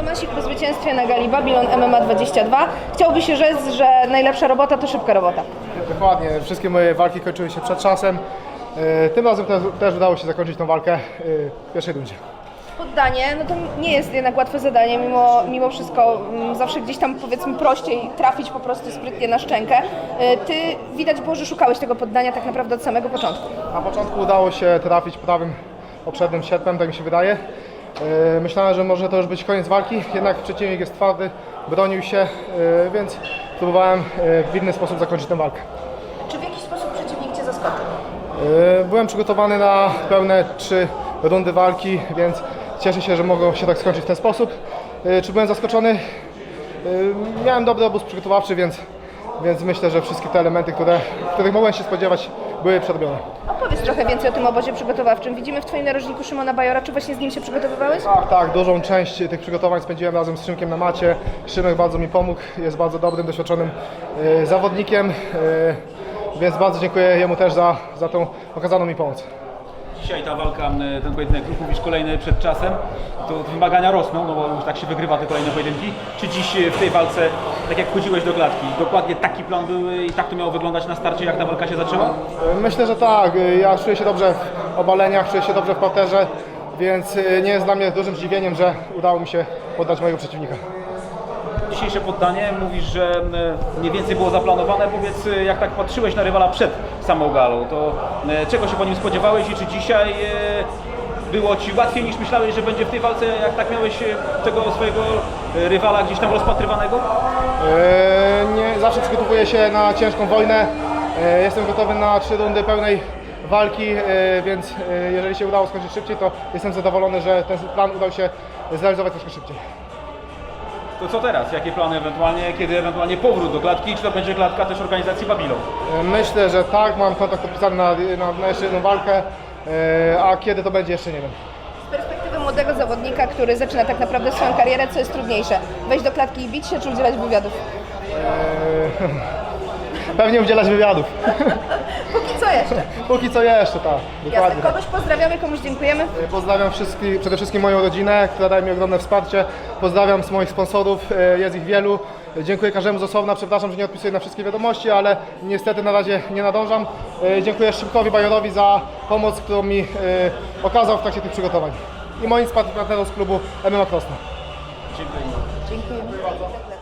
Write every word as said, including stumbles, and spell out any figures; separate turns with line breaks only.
Awansik po zwycięstwie na gali Babylon M M A dwadzieścia dwa. Chciałby się rzec, że najlepsza robota to szybka robota.
Dokładnie, wszystkie moje walki kończyły się przed czasem. Tym razem też, też udało się zakończyć tą walkę w pierwszej rundzie.
Poddanie, no to nie jest jednak łatwe zadanie, mimo, mimo wszystko m, zawsze gdzieś tam powiedzmy prościej trafić po prostu sprytnie na szczękę. Y, Ty widać było, że szukałeś tego poddania tak naprawdę od samego początku.
Na początku udało się trafić prawym poprzednim sierpem, tak mi się wydaje. Myślałem, że może to już być koniec walki, jednak przeciwnik jest twardy, bronił się, więc próbowałem w inny sposób zakończyć tę walkę.
Czy w jakiś sposób przeciwnik Cię zaskoczył?
Byłem przygotowany na pełne trzy rundy walki, więc cieszę się, że mogło się tak skończyć w ten sposób. Czy byłem zaskoczony? Miałem dobry obóz przygotowawczy, więc, więc myślę, że wszystkie te elementy, które, których mogłem się spodziewać, były przerobione.
Opowiedz trochę więcej o tym obozie przygotowawczym. Widzimy w Twoim narożniku Szymona Bajora. Czy właśnie z nim się przygotowywałeś?
Tak, tak, dużą część tych przygotowań spędziłem razem z Szymkiem na macie. Szymek bardzo mi pomógł, jest bardzo dobrym, doświadczonym e, zawodnikiem, e, więc bardzo dziękuję jemu też za, za tą okazaną mi pomoc.
Dzisiaj ta walka, ten pojedynek, jak mówisz, kolejny przed czasem, to wymagania rosną, no bo już tak się wygrywa te kolejne pojedynki. Czy dziś w tej walce, tak jak wchodziłeś do klatki, dokładnie taki plan był i tak to miało wyglądać na starcie, jak ta walka się zaczęła?
Myślę, że tak. Ja czuję się dobrze w obaleniach, czuję się dobrze w parterze, więc nie jest dla mnie dużym zdziwieniem, że udało mi się poddać mojego przeciwnika.
Dzisiejsze poddanie, mówisz, że mniej więcej było zaplanowane. Powiedz, jak tak patrzyłeś na rywala przed samą galą, to czego się po nim spodziewałeś i czy dzisiaj było Ci łatwiej niż myślałeś, że będzie w tej walce, jak tak miałeś tego swojego rywala gdzieś tam rozpatrywanego?
Eee, nie, zawsze przygotowuję się na ciężką wojnę. Eee, jestem gotowy na trzy rundy pełnej walki, eee, więc eee, jeżeli się udało skończyć szybciej, to jestem zadowolony, że ten plan udał się zrealizować troszkę szybciej.
To co teraz? Jakie plany ewentualnie, kiedy ewentualnie powrót do klatki? Czy to będzie klatka też organizacji Babylon?
Myślę, że tak, mam kontakt podpisany na, na, na jeszcze jedną walkę, e, a kiedy to będzie, jeszcze nie wiem.
Z perspektywy młodego zawodnika, który zaczyna tak naprawdę swoją karierę, co jest trudniejsze? Wejść do klatki i bić się, czy udzielać wywiadów?
E, pewnie udzielać wywiadów.
Póki co jeszcze.
Póki co jeszcze, tak.
Jasne.
Dokładnie.
Kogoś pozdrawiamy, komuś dziękujemy.
Pozdrawiam wszystkich, przede wszystkim moją rodzinę, która daje mi ogromne wsparcie. Pozdrawiam z moich sponsorów, jest ich wielu. Dziękuję każdemu z osobna, przepraszam, że nie odpisuję na wszystkie wiadomości, ale niestety na razie nie nadążam. Dziękuję Szymkowi Bajorowi za pomoc, którą mi okazał w trakcie tych przygotowań. I moim partnerom z klubu M M A Krosno.
Dziękuję.
Dziękuję bardzo.